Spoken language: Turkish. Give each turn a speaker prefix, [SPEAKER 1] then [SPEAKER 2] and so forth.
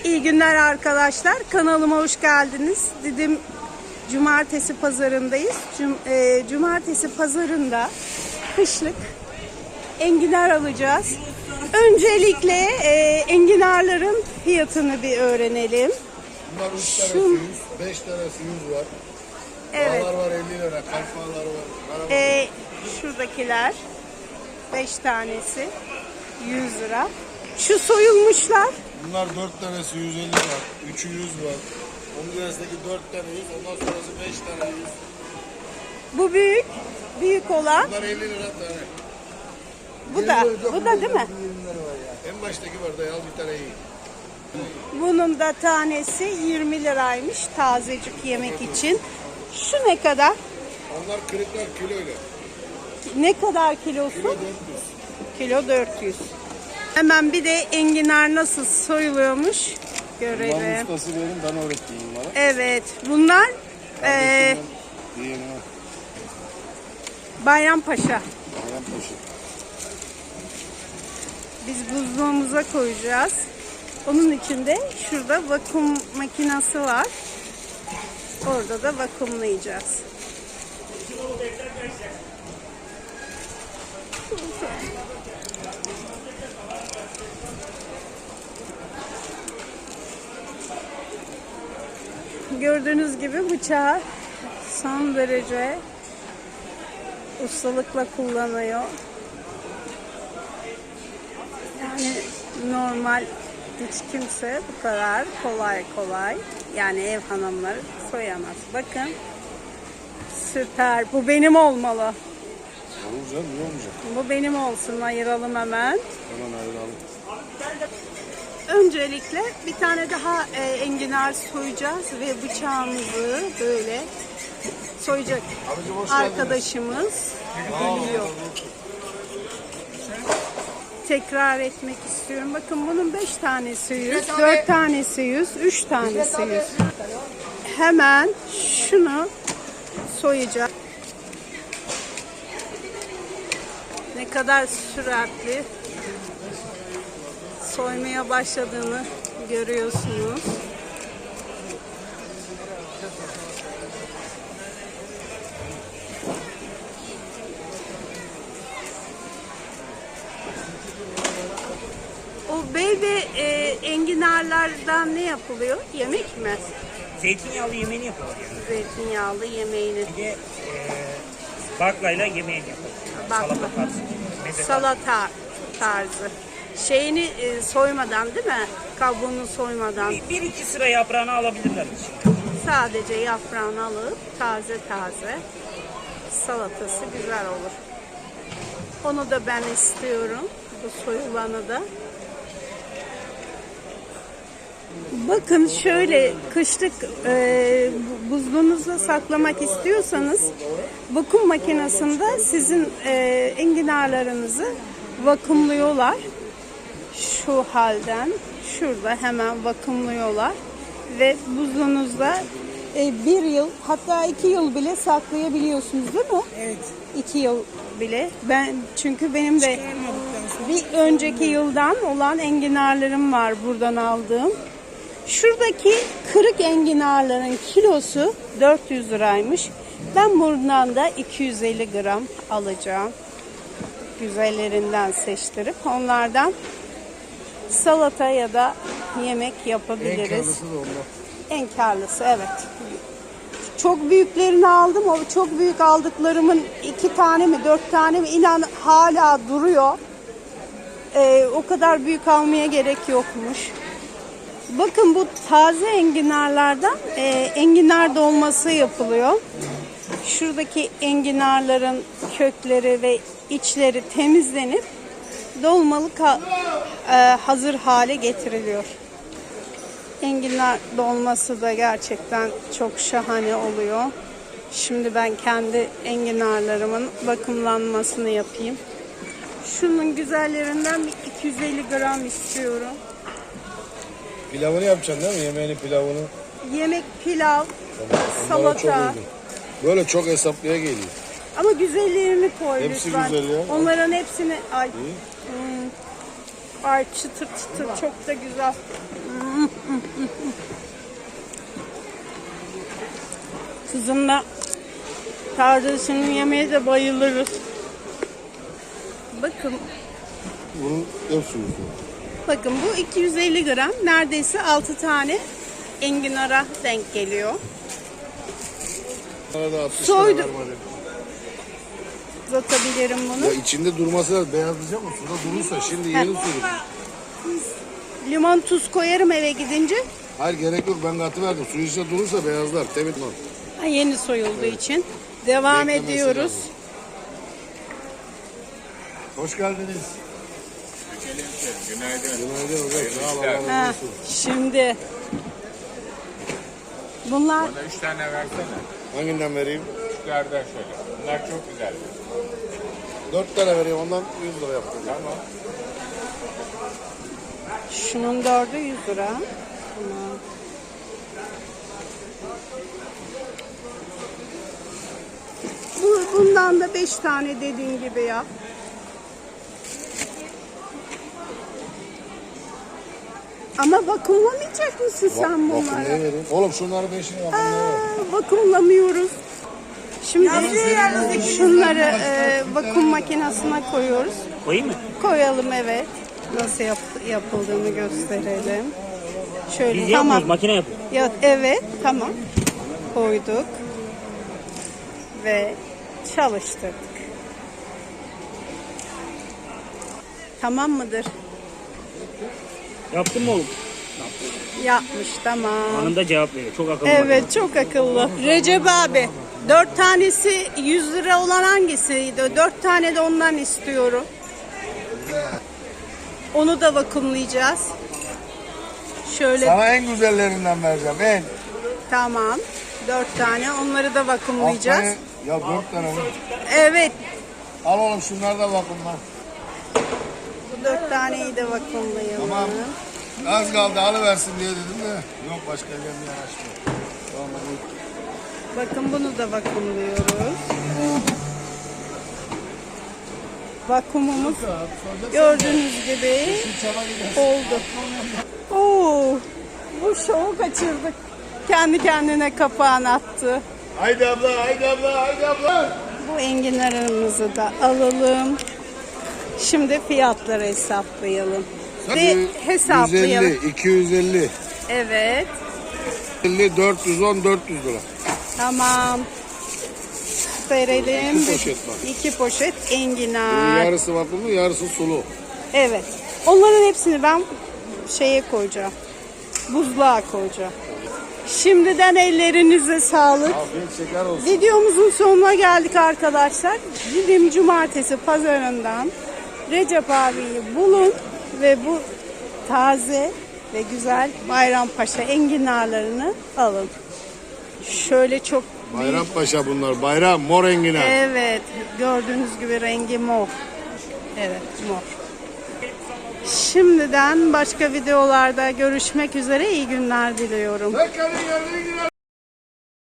[SPEAKER 1] İyi günler arkadaşlar. Kanalıma hoş geldiniz. Didim Cumartesi pazarındayız. Cumartesi pazarında kışlık enginar alacağız. Öncelikle enginarların fiyatını bir öğrenelim.
[SPEAKER 2] Bunlar 3 tanesi 100, 5 tanesi 100 var.
[SPEAKER 1] Evet.
[SPEAKER 2] Bağlar var 50 lira, kalfalar var.
[SPEAKER 1] Şuradakiler 5 tanesi 100 lira. Şu soyulmuşlar.
[SPEAKER 2] Bunlar 4 tanesi 150 var, 3'ü 100 var. Onun arasındaki 4 tane 100, ondan sonrası 5 tane 100.
[SPEAKER 1] Bu büyük olan.
[SPEAKER 2] Bunlar 50 lira tane.
[SPEAKER 1] Bu da değil mi?
[SPEAKER 2] En baştaki var da al bir tane iyi.
[SPEAKER 1] Bunun da tanesi 20 liraymış tazecik yemek için. Şu ne kadar?
[SPEAKER 2] Onlar kırıklar kiloyla.
[SPEAKER 1] Ne kadar kilosu?
[SPEAKER 2] Kilo 400.
[SPEAKER 1] Kilo 400. Hemen bir de enginar nasıl soyuluyormuş görelim.
[SPEAKER 2] Bunların ustası benim, ben öğrettiğim bana.
[SPEAKER 1] Evet, bunlar Bayrampaşa. Biz buzluğumuza koyacağız. Onun içinde şurada vakum makinesi var. Orada da vakumlayacağız. Gördüğünüz gibi bıçağı son derece ustalıkla kullanıyor. Yani normal hiç kimse bu kadar kolay yani ev hanımları soyamaz. Bakın süper. Bu benim olmalı.
[SPEAKER 2] Olur canım, niye olmayacak?
[SPEAKER 1] Bu benim olsun. Ayıralım hemen.
[SPEAKER 2] Hemen ayıralım.
[SPEAKER 1] Öncelikle bir tane daha enginar soyacağız ve bıçağımızı böyle soyacak arkadaşımız geliyor. Tekrar etmek istiyorum. Bakın bunun 5 tanesi 100, 4 tanesi 100, 3 tanesi 100. Hemen şunu soyacağım. Ne kadar süratli soymaya başladığını görüyorsunuz. O bey ve enginarlardan ne yapılıyor? Yemek mi?
[SPEAKER 3] Zeytinyağlı yemeğini yapıyorlar yani.
[SPEAKER 1] Zeytinyağlı yemeğini.
[SPEAKER 3] Bir de baklayla yemeğini yapıyorlar.
[SPEAKER 1] Bakla.
[SPEAKER 3] Salata tarzı. Meze
[SPEAKER 1] Salata tarzı. Şeyini soymadan değil mi? Kabuğunu soymadan.
[SPEAKER 3] Bir iki sıra yaprağını alabilirler şimdi.
[SPEAKER 1] Sadece yaprağını alıp taze salatası güzel olur. Onu da ben istiyorum. Bu soyulanı da. Bakın şöyle kışlık buzluğunuzda saklamak istiyorsanız vakum makinesinde sizin enginarlarınızı vakumluyorlar. Şu halden şurada hemen vakumluyorlar ve buzluğunuzda 1 yıl hatta 2 yıl bile saklayabiliyorsunuz değil mi?
[SPEAKER 4] Evet.
[SPEAKER 1] 2 yıl bile. Çünkü benim de bir önceki yıldan olan enginarlarım var buradan aldığım. Şuradaki kırık enginarların kilosu 400 liraymış. Ben buradan da 250 gram alacağım. Güzellerinden seçtirip onlardan salata ya da yemek yapabiliriz.
[SPEAKER 2] En karlısı da onlar.
[SPEAKER 1] En karlısı evet. Çok büyüklerini aldım. O çok büyük aldıklarımın 2 tane mi 4 tane mi inan hala duruyor. O kadar büyük almaya gerek yokmuş. Bakın bu taze enginarlardan enginar dolması yapılıyor. Şuradaki enginarların kökleri ve içleri temizlenip dolmalık hazır hale getiriliyor. Enginar dolması da gerçekten çok şahane oluyor. Şimdi ben kendi enginarlarımın vakumlanmasını yapayım. Şunun güzellerinden bir 250 gram istiyorum.
[SPEAKER 2] Pilavını yapacaksın değil mi? Yemeğini, pilavını.
[SPEAKER 1] Yemek, pilav,
[SPEAKER 2] Onlara çok
[SPEAKER 1] salata.
[SPEAKER 2] uygun. Böyle çok hesaplıya geliyor.
[SPEAKER 1] Ama güzellerini koy
[SPEAKER 2] Hepsi
[SPEAKER 1] lütfen.
[SPEAKER 2] güzel ya.
[SPEAKER 1] Onların hepsini ay çıtır çıtır çok da güzel. Kızımla kardeşinin yemeğe de bayılırız. Bakın,
[SPEAKER 2] Bunun ev suyu.
[SPEAKER 1] bakın bu 250 gram. Neredeyse 6 tane enginara denk geliyor.
[SPEAKER 2] Arada 60
[SPEAKER 1] Soydu.
[SPEAKER 2] lira vermedi.
[SPEAKER 1] Uzatabilirim bunu.
[SPEAKER 2] Ya içinde durması lazım. Beyazlayacak mı? Suda durursa şimdi yeni suyu.
[SPEAKER 1] Limon tuz koyarım eve gidince.
[SPEAKER 2] Hayır gerek yok. Ben katı verdim. Suyu içinde durursa beyazlar. Temiz mi?
[SPEAKER 1] Ha, yeni soyulduğu için. Devam
[SPEAKER 2] Beklemesi
[SPEAKER 1] ediyoruz.
[SPEAKER 2] lazım. Hoş geldiniz.
[SPEAKER 4] Günaydın.
[SPEAKER 2] Günaydın hocam. Sağ ol. Allah razı
[SPEAKER 1] Ha,
[SPEAKER 2] olsun.
[SPEAKER 1] şimdi bunlar
[SPEAKER 4] Bana 3 tane versene.
[SPEAKER 2] Hanginden vereyim?
[SPEAKER 4] Üçlerden şöyle. Bunlar çok güzel.
[SPEAKER 2] 4 tane vereyim. Ondan 100 lira yaptım.
[SPEAKER 4] Tamam.
[SPEAKER 1] şunun 4'ü 100 lira. Tamam. Bundan da 5 tane dediğin gibi yap. Ama vakumlamayacak mısın sen
[SPEAKER 2] Bakın
[SPEAKER 1] bunları?
[SPEAKER 2] neye vereyim? Oğlum şunları 5'ini yapın.
[SPEAKER 1] Vakumlamıyoruz. Şimdi şunları vakum makinesine koyuyoruz.
[SPEAKER 3] Koyayım mı?
[SPEAKER 1] Koyalım, evet. Nasıl yapıldığını gösterelim. Şöyle
[SPEAKER 3] Biz
[SPEAKER 1] tamam.
[SPEAKER 3] yapmıyoruz, makine yapıyor.
[SPEAKER 1] Ya, evet, tamam. Koyduk. Ve çalıştırdık. Tamam mıdır?
[SPEAKER 3] Yaptın mı oğlum?
[SPEAKER 1] Yapmış, tamam.
[SPEAKER 3] Anında cevap veriyor. Çok akıllı.
[SPEAKER 1] Evet, çok akıllı. Recep abi, 4 tanesi 100 lira olan hangisiydi? 4 tane de ondan istiyorum. Onu da vakumlayacağız. Şöyle,
[SPEAKER 2] Sana en güzellerinden vereceğim. En.
[SPEAKER 1] tamam. 4 tane, onları da vakumlayacağız.
[SPEAKER 2] Haftaya- Ya 4 tane mi?
[SPEAKER 1] Evet,
[SPEAKER 2] Al oğlum şunları da bakın lan.
[SPEAKER 1] bu 4 taneyi de vakumlayalım.
[SPEAKER 2] Tamam. Az kaldı alıversin diye dedim de. Yok başka elden bir yanaşmıyor. Tamam.
[SPEAKER 1] Bakın bunu da vakumluyoruz. Vakumumuz gördüğünüz gibi oldu. Oo, bu şovu kaçırdık. Kendi kendine kapağını attı.
[SPEAKER 2] Haydi abla, haydi abla, haydi abla.
[SPEAKER 1] Bu enginarımızı da alalım. Şimdi fiyatları hesaplayalım. Ve hesaplayalım.
[SPEAKER 2] 150, 250,
[SPEAKER 1] Evet.
[SPEAKER 2] 50, 410, 400 lira.
[SPEAKER 1] Tamam. Verelim.
[SPEAKER 2] 2 poşet bak.
[SPEAKER 1] 2 poşet
[SPEAKER 2] Bunun
[SPEAKER 1] enginar.
[SPEAKER 2] yarısı vakumlu, yarısı sulu.
[SPEAKER 1] Evet. Onların hepsini ben şeye koyacağım. Buzluğa koyacağım. Şimdiden ellerinize sağlık.
[SPEAKER 2] Afiyet şeker olsun.
[SPEAKER 1] Videomuzun sonuna geldik arkadaşlar. Didim Cumartesi pazarından Recep abiyi bulun ve bu taze ve güzel Bayrampaşa enginarlarını alın. Şöyle çok büyük.
[SPEAKER 2] Bayrampaşa bunlar. Bayram, mor enginar.
[SPEAKER 1] Evet, gördüğünüz gibi rengi mor. Evet, mor. Şimdiden başka videolarda görüşmek üzere. İyi günler diliyorum.
[SPEAKER 2] Tekrar enginar.